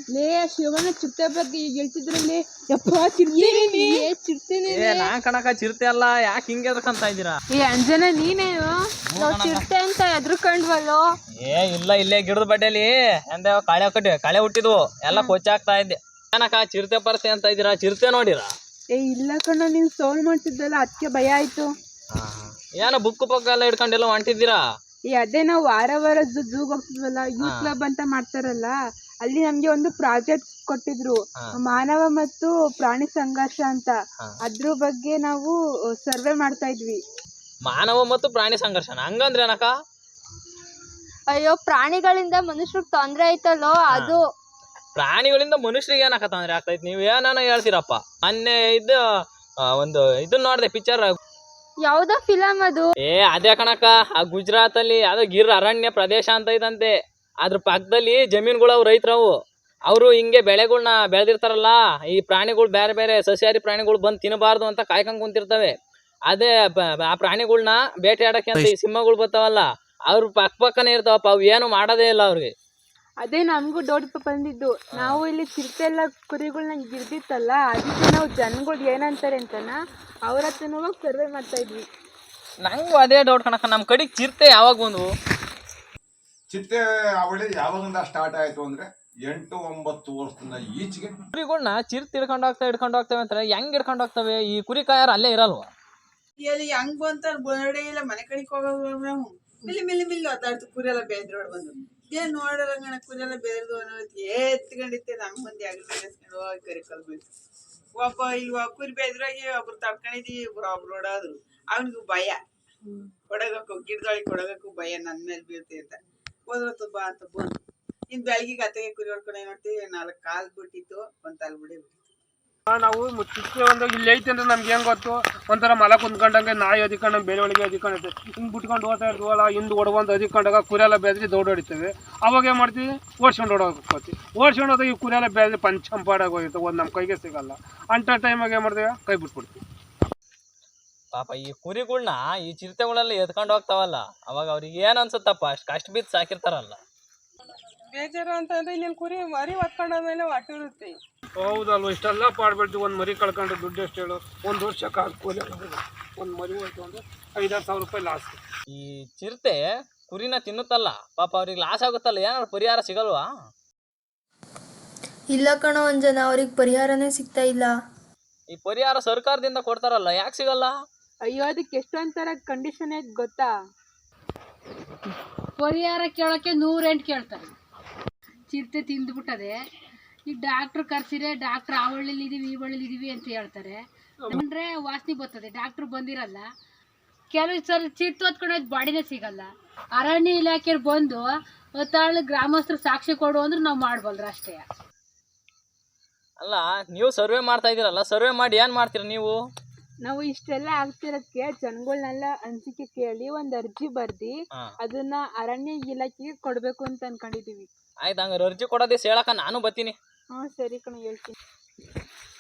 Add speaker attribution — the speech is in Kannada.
Speaker 1: ಲೇ ಶಿವಣ್ಣ ಚಿರತೆ ಬಗ್ಗೆ ಈಗ ಹೇಳ್ತಿದ್ರಲ್ಲಿ ಯಪ್ಪ ಚಿರತೆನೇ
Speaker 2: ನಾನ್ ಕಣಕ ಚಿರತೆ ಅಲ್ಲ ಯಾಕೆ ಹಿಂಗೆ ಎದ್ರಕಂತ ಇದ್ದೀರಾ?
Speaker 1: ಈ ಅಂಜನ ನೀನೇನು ಚಿರತೆ ಅಂತ ಎದ್ರಕೊಂಡ್ವಲ್ಲೋ?
Speaker 2: ಇಲ್ಲ ಇಲ್ಲೇ ಗಿಡದ ಬಡ್ಡೆಲಿ ಎಂದ ಕಳೆ ಹುಟ್ಟಿದ್ವು ಎಲ್ಲ ಕೊಚ್ಚಾಗ್ತಾ ಇದ್ದೆ. ಏನಕ್ಕ ಚಿರತೆ ಪರಸೆ ಅಂತ ಇದ್ದೀರಾ? ಚಿರತೆ ನೋಡಿರಾ?
Speaker 1: ಇಲ್ಲ ಕಣ್ಣ, ನೀನ್ ಸೌಂಡ್ ಮಾಡ್ತಿದ್ದಲ್ಲ ಅದಕ್ಕೆ ಭಯ ಆಯ್ತು.
Speaker 2: ಏನೋ ಬುಕ್ ಎಲ್ಲ ಹಿಡ್ಕೊಂಡೆಲ್ಲ ಹೊಂಟಿದ್ದೀರಾ?
Speaker 1: ಅದೇ ನಾವು ವಾರ ಝೂಗ್ ಹೋಗ್ತಿದ್ವಲ್ಲ, ಯೂತ್ ಕ್ಲಬ್ ಅಂತ ಮಾಡ್ತಾರಲ್ಲ, ಅಲ್ಲಿ ನಮ್ಗೆ ಒಂದು ಪ್ರಾಜೆಕ್ಟ್ ಕೊಟ್ಟಿದ್ರು, ಮಾನವ ಮತ್ತು ಪ್ರಾಣಿ ಸಂಘರ್ಷ ಅಂತ. ಅದ್ರ ಬಗ್ಗೆ ನಾವು ಸರ್ವೆ ಮಾಡ್ತಾ ಇದ್ವಿ.
Speaker 2: ಮಾನವ ಮತ್ತು ಪ್ರಾಣಿ ಸಂಘರ್ಷನ ಹಂಗಂದ್ರೆ ಏನಕ್ಕ?
Speaker 3: ಅಯ್ಯೋ, ಪ್ರಾಣಿಗಳಿಂದ ಮನುಷ್ಯರಿಗೆ ತೊಂದ್ರೆ ಆಯ್ತಲ್ಲೋ ಅದು.
Speaker 2: ಪ್ರಾಣಿಗಳಿಂದ ಮನುಷ್ಯರಿಗೆ ಏನಕ್ಕ ತೊಂದ್ರೆ ಆಗ್ತೈತಿ? ನೀವ್ ಏನಾನ ಹೇಳ್ತೀರಪ್ಪ. ಮೊನ್ನೆ ಒಂದು ಇದನ್ನ ನೋಡ್ದೆ ಪಿಕ್ಚರ್.
Speaker 3: ಯಾವ್ದೋ ಫಿಲಮ್ ಅದು?
Speaker 2: ಅದೇ ಕಣಕ್ಕ, ಆ ಗುಜರಾತ್ ಅಲ್ಲಿ ಯಾವ್ದೋ ಗಿರ್ ಅರಣ್ಯ ಪ್ರದೇಶ ಅಂತ ಐತಂತೆ. ಅದ್ರ ಪಕ್ಕದಲ್ಲಿ ಜಮೀನುಗಳು ರೈತರವು, ಅವರು ಹಿಂಗೆ ಬೆಳೆಗಳನ್ನ ಬೆಳೆದಿರ್ತಾರಲ್ಲ, ಈ ಪ್ರಾಣಿಗಳು ಬೇರೆ ಬೇರೆ ಸಸ್ಯಾಹಾರಿ ಪ್ರಾಣಿಗಳು ಬಂದು ತಿನ್ನಬಾರ್ದು ಅಂತ ಕಾಯ್ಕೊಂಡ್ ಕುಂತಿರ್ತವೆ. ಅದೇ ಆ ಪ್ರಾಣಿಗಳನ್ನ ಬೇಟೆಯಾಡಕ್ಕೆ ಅಂತ ಈ ಸಿಂಹಗಳು ಬರ್ತಾವಲ್ಲ, ಅವ್ರ ಪಕ್ಕನೇ ಇರ್ತಾವಪ್ಪ, ಅವು ಏನು ಮಾಡೋದೇ ಇಲ್ಲ ಅವ್ರಿಗೆ.
Speaker 1: ಅದೇ ನಮಗೂ ಡೌಟ್ ಬಂದಿದ್ದು. ನಾವು ಇಲ್ಲಿ ಚಿರತೆ ಎಲ್ಲ ಕುರಿಗಳನ್ನ ಗಿರ್ದಿತ್ತಲ್ಲ, ಅದಕ್ಕೆ ನಾವು ಜನಗಳು ಏನಂತಾರೆ ಅಂತನ ಅವ್ರ ಹತ್ರನೂ ಸರ್ವೆ ಮಾಡ್ತಾ ಇದ್ವಿ.
Speaker 2: ನಂಗೂ ಅದೇ ಡೌಟ್ ಕಣಕ್ಕ, ನಮ್ಮ ಕಡೆಗೆ ಚಿರತೆ ಯಾವಾಗ ಬಂದ್ವು?
Speaker 4: ಚಿರತೆ ಅವಳಿ ಯಾವಾಗಿಂದ ಸ್ಟಾರ್ಟ್ ಆಯ್ತು ಅಂದ್ರೆ 8-9 ವರ್ಷದಿಂದ ಈಚೆಗೆ
Speaker 2: ಕುರಿಗಳನ್ನ ಚಿರತೆ ಹಿಡ್ಕೊಂಡು ಹೋಗ್ತವೆ ಅಂತಾರೆ. ಹೆಂಗ್ ಹಿಡ್ಕೊಂಡು ಹೋಗ್ತವೆ? ಈ ಕುರಿ ಕಾಯರು ಅಲ್ಲೇ ಇರಲ್ವಾ?
Speaker 5: ಎಲ್ಲಿ ಹೆಂಗ್ ಬಂತಾರ ಬೋರ್ಡೆ ಇಲ್ಲ, ಮನೆ ಕಡೆಗೆ ಹೋಗೋದು ನಾವು ಮಿಲ್ಲಿ ಒತ್ತಾಡ್ತು. ಕುರಿಯೆಲ್ಲ ಬೇದ್ರೋಡ್ ಬಂದು ಏನ್ ನೋಡೋರಂಗಣ ಕುರಿಯೆಲ್ಲ ಬೇರ್ದು ಅನ್ನೋದು ಎತ್ಕೊಂಡಿತ್ತೆ. ನಮ್ ಮಂದಿ ಆಗ್ಲಿಸ್ಕೊಂಡು ಹೋಗಿ ಕರಿಕಲ್ ಬಂತು. ಒಬ್ಬ ಕುರಿ ಬೇದ್ರಾಗಿ ಒಬ್ರು ತಡ್ಕೊಂಡಿದ್ವಿ, ಒಬ್ರು ಓಡೋದ್ರು. ಅವನಿಗೂ ಭಯ, ಕೊಡಗಕ್ಕೂ ಗಿಡದೊಳಗೆ ಕೊಡಗಕ್ಕೂ ಭಯ, ನನ್ ಮೇಲೆ ಬೀಳ್ತಿ ಅಂತ ಹೋದ್ರತ್ತು ಬಾ ಅಂತ ಬಂದು. ಇನ್ ಬೆಳಗ್ಗೆ ಅತ್ತಗೆ ಕುರಿ ಹೊಡ್ಕೊಂಡು ಏನ್ ಮಾಡ್ತೀವಿ, 4 ಕಾಲ್ ಬಿಟ್ಟಿತ್ತು, ಒಂದ್ ತಲೆ ಬಿಡಿ ಬಿಟ್ಟಿತ್ತು.
Speaker 6: ನಾವು ಮುಚ್ಚಿಕ್ಕೆ ಒಂದು ಇಲ್ಲಿ ಐತೆ ಅಂದ್ರೆ ನಮ್ಗೆ ಹೆಂಗ್ ಗೊತ್ತು, ಒಂಥರ ಮಲ ಕುಂತ್ಕೊಂಡಂಗೆ ನಾಯಿ ಅದಿಕೊಂಡಂಗೆ ಬೇರೆ ಒಳಗೆ ಅದಿಕೊಂಡೈತೆ. ಹಿಂಗೆ ಬಿಟ್ಕೊಂಡು ಹೋಗ್ತಾ ಇರ್ತೀವಲ್ಲ, ಹಿಂದ್ ಹೊಡ್ಬಂದು ಅದಿಕೊಂಡಾಗ ಕುರಿಯೆಲ್ಲ ಬೇದ್ರಿ ದೌಡ್ ಹೊಡಿತೇವೆ. ಅವಾಗ ಏನ್ ಮಾಡ್ತೀವಿ, ಓಡ್ಸ್ಕೊಂಡು ಓಡೋಗ್ತೀವಿ. ಓಡ್ಸ್ಕೊಂಡು ಹೋದಾಗ ಈ ಕುರಿಯೆಲ್ಲ ಬೇದ್ರಿ ಪಂಚಂಪಾಡಾಗಿ ಹೋಗಿರ್ತವೆ, ಒಂದು ನಮ್ಮ ಕೈಗೆ ಸಿಗಲ್ಲ. ಅಂಥ ಟೈಮಾಗ ಏನ್ ಮಾಡ್ತೀವಿ, ಕೈ ಬಿಟ್ಬಿಡ್ತೀವಿ.
Speaker 2: ಪಾಪ ಈ ಕುರಿಗಳನ್ನ ಈ ಚಿರತೆಗಳೆಲ್ಲ ಎತ್ಕೊಂಡು ಹೋಗ್ತಾವಲ್ಲ, ಅವಾಗ ಅವ್ರಿಗೆ ಏನ್ ಅನ್ಸುತ್ತಪ್ಪ? ಅಷ್ಟು ಕಷ್ಟ ಬಿದ್ದು ಸಾಕಿರ್ತಾರಲ್ಲ.
Speaker 1: ಬೇಜಾರು ಅಂತಂದ್ರೆ ಇನ್ನೇನು ಕುರಿ ಮರಿ ಹೊತ್ಕೊಂಡಾದ್ಮೇಲೆ ಹೊಟ್ಟಿರುತ್ತೆ.
Speaker 6: ಹೌದಲ್ವ, ಇಷ್ಟೆಲ್ಲ ಪಾಡ್ಬಿಡ್ತೀವಿ. ಒಂದು ಮರಿ ಕಳ್ಕೊಂಡ್ರೆ ದುಡ್ಡು ಎಷ್ಟು ಹೇಳು? 1 ವರ್ಷಕ್ಕೆ ಕೂಲಿ ಒಂದು ಮರಿ ಹೋಯ್ತು ಅಂದ್ರೆ 5-6 ಸಾವಿರ ರೂಪಾಯಿ ಲಾಸ್.
Speaker 2: ಈ ಚಿರತೆ ಕುರಿನ ತಿನ್ನುತ್ತಲ್ಲ, ಪಾಪ ಅವ್ರಿಗೆ ಲಾಸ್ ಆಗುತ್ತಲ್ಲ, ಏನಾದ್ರು ಪರಿಹಾರ ಸಿಗಲ್ವಾ?
Speaker 3: ಇಲ್ಲ ಕಣೋ ಅಂಜನ, ಅವ್ರಿಗೆ ಪರಿಹಾರನೇ ಸಿಗ್ತಾ ಇಲ್ಲ.
Speaker 2: ಈ ಪರಿಹಾರ ಸರ್ಕಾರದಿಂದ ಕೊಡ್ತಾರಲ್ಲ, ಯಾಕೆ ಸಿಗಲ್ಲ?
Speaker 1: ಅಯ್ಯೋ, ಅದಕ್ಕೆ ಎಷ್ಟೊಂಥರ ಕಂಡೀಷನ್ ಐತೆ ಗೊತ್ತಾ?
Speaker 7: ಪರಿಹಾರ ಕೇಳೋಕ್ಕೆ 108 ಕೇಳ್ತಾರೆ. ಚಿರತೆ ತಿಂದ್ಬಿಟ್ಟದೆ, ಈಗ ಡಾಕ್ಟ್ರ್ ಕರ್ಸಿರೆ, ಡಾಕ್ಟ್ರ್ ಆ ಹಳ್ಳಿಲಿದ್ದೀವಿ ಈ ಹಳ್ಳಿಲಿದ್ದೀವಿ ಅಂತ ಹೇಳ್ತಾರೆ. ಅಂದರೆ ವಾಸನೆ ಬರ್ತದೆ, ಡಾಕ್ಟ್ರು ಬಂದಿರಲ್ಲ. ಕೆಲವು ಸಲ ಚಿರತೆ ಹೊತ್ಕೊಂಡೋದ್ ಬಾಡಿನೇ ಸಿಗಲ್ಲ. ಅರಣ್ಯ ಇಲಾಖೆಯವ್ರು ಬಂದು ಹೊತ್ತಾಳು ಗ್ರಾಮಸ್ಥರು ಸಾಕ್ಷಿ ಕೊಡು ಅಂದ್ರೆ ನಾವು ಮಾಡ್ಬಲ್ರ ಅಷ್ಟೇ.
Speaker 2: ಅಲ್ಲ, ನೀವು ಸರ್ವೆ ಮಾಡ್ತಾ ಇದ್ದೀರಲ್ಲ, ಸರ್ವೆ ಮಾಡಿ ಏನು ಮಾಡ್ತೀರ ನೀವು?
Speaker 1: ನಾವು ಇಷ್ಟೆಲ್ಲ ಆಗ್ತಿರೋದಕ್ಕೆ ಜನಗಳನ್ನೆಲ್ಲ ಅನಿಸಿಕೆ ಕೇಳಿ ಒಂದು ಅರ್ಜಿ ಬರ್ದಿ ಅದನ್ನ ಅರಣ್ಯ ಇಲಾಖೆಗೆ ಕೊಡ್ಬೇಕು ಅಂತ ಅನ್ಕೊಂಡಿದೀವಿ.
Speaker 2: ಆಯ್ತು, ಹಂಗಾರೆ ಅರ್ಜಿ ಕೊಡೋದೇ ಹೇಳಕ್ಕ ನಾನು ಬರ್ತೀನಿ.
Speaker 1: ಸರಿ ಕಣ, ಹೇಳ್ತೀನಿ.